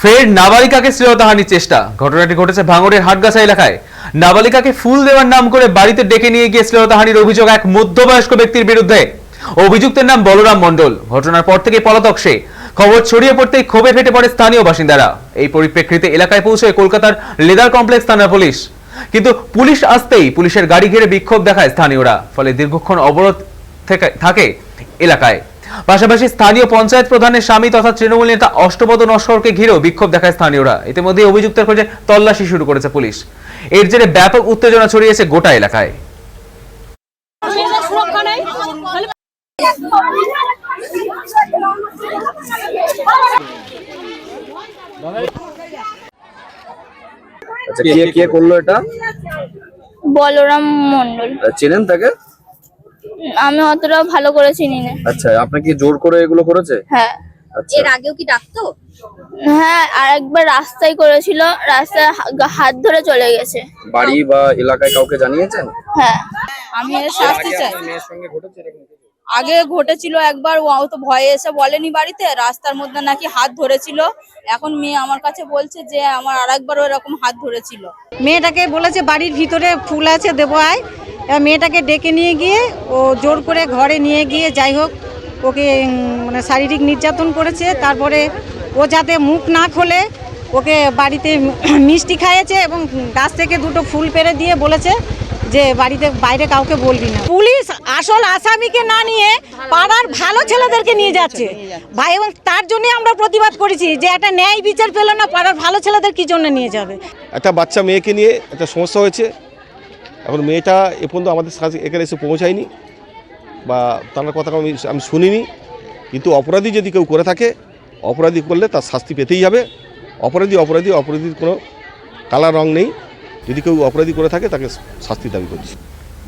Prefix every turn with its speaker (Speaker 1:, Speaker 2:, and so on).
Speaker 1: ফের নাবালিকাকে শ্লীলতাহানির চেষ্টা। ঘটনাটি ঘটেছে ভাঙড়ের হাটগাছা এলাকায়। নাবালিকাকে ফুল দেওয়ার নাম করে বাড়িতে ডেকে নিয়ে গিয়ে শ্লীলতাহানির অভিযোগ এক মধ্যবয়স্ক ব্যক্তির বিরুদ্ধে। অভিযুক্তের নাম বলরাম মণ্ডল। ঘটনার পর থেকে পলাতক সে। খবর ছড়িয়ে পড়তেই ক্ষোভে ফেটে পড়ে স্থানীয় বাসিন্দারা। এই পরিপ্রেক্ষিতে এলাকায় পৌঁছয় কলকাতার লেদার কমপ্লেক্স থানার পুলিশ। কিন্তু পুলিশ আসতেই পুলিশের গাড়ি ঘিরে বিক্ষোভ দেখায় স্থানীয়রা। ফলে দীর্ঘক্ষণ অবরোধ থাকে এলাকায়। পাশাপাশি স্থানীয় পঞ্চায়েত প্রধানের স্বামী তথা তৃণমূল নেতা অষ্টপদ নস্করকে ঘিরেও বিক্ষোভ দেখায় স্থানীয়রা। ইতিমধ্যে অভিযুক্তের খোঁজে তল্লাশি শুরু করেছে পুলিশ। এর জেরে ব্যাপক উত্তেজনা ছড়িয়েছে গোটা এলাকায়।
Speaker 2: আচ্ছা, কে করলো এটা?
Speaker 3: বলরাম মণ্ডল।
Speaker 2: চেনেন তাকে?
Speaker 3: আমি অতটা ভালো করে চিনি না।
Speaker 2: আচ্ছা, আপনাকে জোর করে এগুলো করেছে?
Speaker 3: হ্যাঁ।
Speaker 2: আচ্ছা,
Speaker 4: এর আগেও কি ডাকতো?
Speaker 3: হ্যাঁ, আর একবার রাস্তায় করেছিল, রাস্তায় হাত ধরে চলে গেছে।
Speaker 2: বাড়ি বা এলাকায় কাউকে জানিয়েছেন?
Speaker 3: হ্যাঁ।
Speaker 4: আমি এর শাস্তি চাই। আগে ঘটেছিল একবার, ও তো ভয়ে এসে বলেনি বাড়িতে, রাস্তার মধ্যে নাকি হাত ধরেছিল। এখন মেয়ে আমার কাছে বলছে যে আমার আরেকবার এরকম হাত ধরেছিল।
Speaker 5: মেয়েটাকে বলেছে বাড়ির ভিতরে ফুল আছে দেবো আয়। এবার মেয়েটাকে ডেকে নিয়ে গিয়ে ও জোর করে ঘরে নিয়ে গিয়ে যাই হোক ওকে মানে শারীরিক নির্যাতন করেছে। তারপরে ও যাতে মুখ না খোলে ওকে বাড়িতে মিষ্টি খাইয়েছে এবং গাছ থেকে দুটো ফুল পেড়ে দিয়ে বলেছে যে বাড়িতে বাইরে কাউকে বলবি না। পুলিশ আসল আসামিকে না নিয়ে পাড়ার ভালো ছেলেদেরকে নিয়ে যাচ্ছে ভাই, এবং তার জন্যই আমরা প্রতিবাদ করেছি যে একটা ন্যায় বিচার পেল না, পাড়ার ভালো ছেলেদের কি জন্য নিয়ে যাবে।
Speaker 6: একটা বাচ্চা মেয়েকে নিয়ে একটা সমস্যা হয়েছে। এখন মেয়েটা এ পর্যন্ত আমাদের সাথে এখানে এসে পৌঁছায়নি বা তার কথা আমি শুনিনি। কিন্তু অপরাধী যদি কেউ করে থাকে, অপরাধী করলে তার শাস্তি পেতেই হবে। অপরাধীর কোনো কালার রং নেই। যদি কেউ অপরাধী করে থাকে তাকে শাস্তি দাবি করছি।